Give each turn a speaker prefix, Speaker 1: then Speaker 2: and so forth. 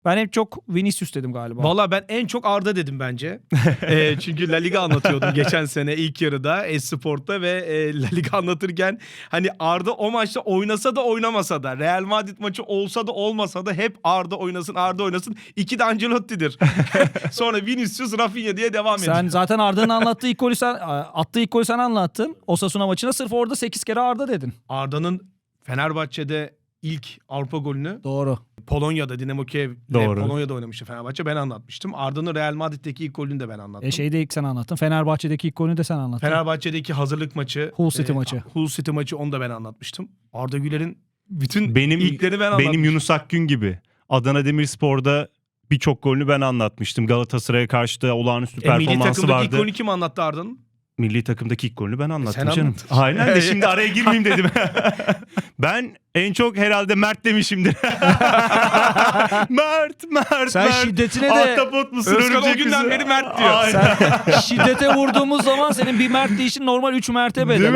Speaker 1: Ben hep çok Vinicius dedim galiba.
Speaker 2: Valla ben en çok Arda dedim bence. Çünkü La Liga anlatıyordum geçen sene ilk yarıda Esport'ta ve La Liga anlatırken hani Arda o maçta oynasa da oynamasa da Real Madrid maçı olsa da olmasa da hep Arda oynasın, Arda oynasın. İki de Ancelotti'dir. Sonra Vinicius, Rafinha diye devam ediyor.
Speaker 1: Sen zaten Arda'nın attığı ilk golü sen anlattın. Osasuna maçına sırf orada 8 kere Arda dedin.
Speaker 2: Arda'nın Fenerbahçe'de ilk Avrupa golünü
Speaker 1: Doğru.
Speaker 2: Polonya'da Dinamo Kiev'le
Speaker 3: Doğru.
Speaker 2: Polonya'da oynamıştı Fenerbahçe. Ben anlatmıştım. Arda'nın Real Madrid'deki ilk golünü de ben anlattım.
Speaker 1: Şeyde ilk sen anlattın. Fenerbahçe'deki ilk golünü de sen anlattın.
Speaker 2: Fenerbahçe'deki hazırlık maçı.
Speaker 1: Hull City maçı.
Speaker 2: Hull City maçı, onu da ben anlatmıştım. Arda Güler'in bütün
Speaker 3: Benim
Speaker 2: ilkleri ben anlatmıştım.
Speaker 3: Benim Yunus Akgün gibi. Adana Demirspor'da birçok golünü ben anlatmıştım. Galatasaray'a karşı da olağanüstü
Speaker 2: Milli
Speaker 3: performansı
Speaker 2: takımdaki
Speaker 3: vardı.
Speaker 2: ilk golünü kim anlattı Arda'nın?
Speaker 3: Milli takımdaki ilk golünü ben anlattım
Speaker 2: Sen
Speaker 3: canım.
Speaker 2: anlattın.
Speaker 3: Aynen de şimdi araya girmeyeyim dedim. Ben en çok herhalde Mert demişimdir. Mert.
Speaker 1: Sen şiddetine de
Speaker 3: Ahtapot musun?
Speaker 2: Özkan o
Speaker 3: Örümcek
Speaker 2: günden
Speaker 3: misin?
Speaker 2: beri Mert diyor.
Speaker 3: Aynen.
Speaker 1: şiddete vurduğumuz zaman senin bir Mert deyişin normal 3 mertebe.